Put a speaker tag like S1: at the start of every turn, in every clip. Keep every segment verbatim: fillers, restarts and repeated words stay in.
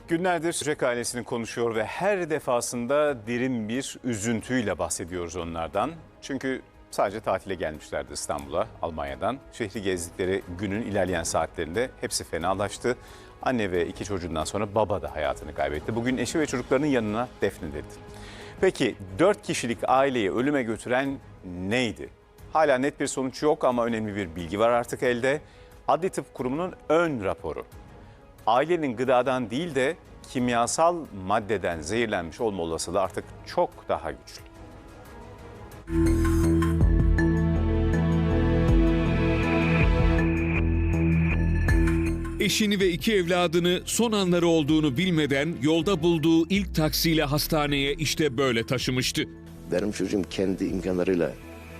S1: Günlerdir Böcek ailesini konuşuyor ve her defasında derin bir üzüntüyle bahsediyoruz onlardan. Çünkü sadece tatile gelmişlerdi İstanbul'a, Almanya'dan. Şehri gezdikleri günün ilerleyen saatlerinde hepsi fenalaştı. Anne ve iki çocuğundan sonra baba da hayatını kaybetti. Bugün eşi ve çocuklarının yanına defnedildi. Peki dört kişilik aileyi ölüme götüren neydi? Hala net bir sonuç yok ama önemli bir bilgi var artık elde. Adli Tıp Kurumu'nun ön raporu. Ailenin gıdadan değil de kimyasal maddeden zehirlenmiş olma olasılığı artık çok daha güçlü.
S2: Eşini ve iki evladını son anları olduğunu bilmeden yolda bulduğu ilk taksiyle hastaneye işte böyle taşımıştı.
S3: Benim çocuğum kendi imkanlarıyla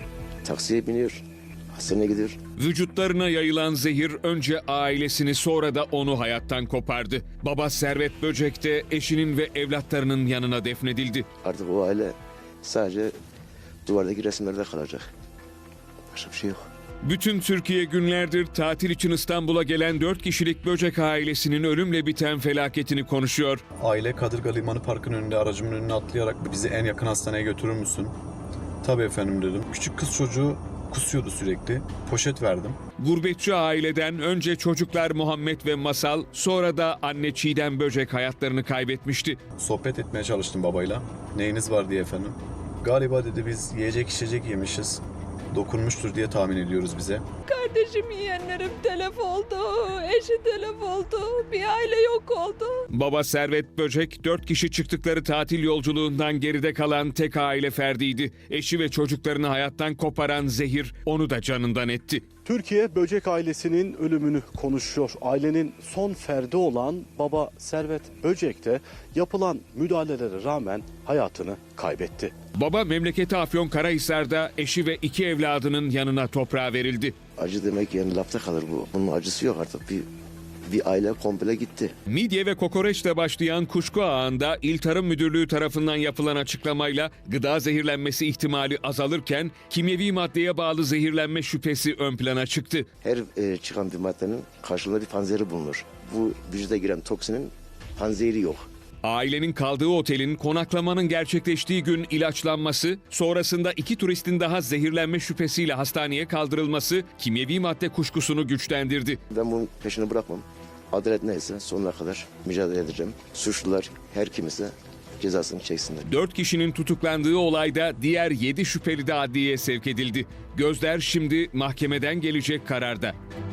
S3: taksiye biniyor, hastaneye gidiyor.
S2: Vücutlarına yayılan zehir önce ailesini sonra da onu hayattan kopardı. Baba Servet Böcek de eşinin ve evlatlarının yanına defnedildi.
S3: Artık o aile sadece duvardaki resimlerde kalacak. Başka bir şey yok.
S2: Bütün Türkiye günlerdir tatil için İstanbul'a gelen dört kişilik Böcek ailesinin ölümle biten felaketini konuşuyor.
S4: Aile Kadırga Limanı Parkı'nın önünde aracımın önüne atlayarak bizi en yakın hastaneye götürür müsün? Tabii efendim dedim. Küçük kız çocuğu kusuyordu sürekli. Poşet verdim.
S2: Gurbetçi aileden önce çocuklar Muhammed ve Masal, sonra da anne Çiğdem Böcek hayatlarını kaybetmişti.
S4: Sohbet etmeye çalıştım babayla. Neyiniz var diye efendim. Galiba dedi biz yiyecek içecek yemişiz. Dokunmuştur diye tahmin ediyoruz bize.
S5: Kardeşim, yeğenlerim telef oldu, eşi telef oldu, bir aile yok oldu.
S2: Baba Servet Böcek, dört kişi çıktıkları tatil yolculuğundan geride kalan tek aile ferdiydi. Eşi ve çocuklarını hayattan koparan zehir onu da canından etti.
S6: Türkiye Böcek ailesinin ölümünü konuşuyor. Ailenin son ferdi olan baba Servet Böcek de yapılan müdahalelere rağmen hayatını kaybetti.
S2: Baba memleketi Afyonkarahisar'da eşi ve iki evladının yanına toprağa verildi.
S3: Acı demek yani lafta kalır bu. Bunun acısı yok artık. Bir, bir aile komple gitti.
S2: Midye ve kokoreçle başlayan kuşku ağında İl Tarım Müdürlüğü tarafından yapılan açıklamayla gıda zehirlenmesi ihtimali azalırken kimyevi maddeye bağlı zehirlenme şüphesi ön plana çıktı.
S3: Her e, çıkan bir maddenin karşılığında bir panzehri bulunur. Bu vücuda giren toksinin panzehri yok.
S2: Ailenin kaldığı otelin konaklamanın gerçekleştiği gün ilaçlanması, sonrasında iki turistin daha zehirlenme şüphesiyle hastaneye kaldırılması kimyevi madde kuşkusunu güçlendirdi.
S3: Ben bunun peşini bırakmam. Adalet neyse sonuna kadar mücadele edeceğim. Suçlular her kimse cezasını çeksinler.
S2: Dört kişinin tutuklandığı olayda diğer yedi şüpheli de adliyeye sevk edildi. Gözler şimdi mahkemeden gelecek kararda.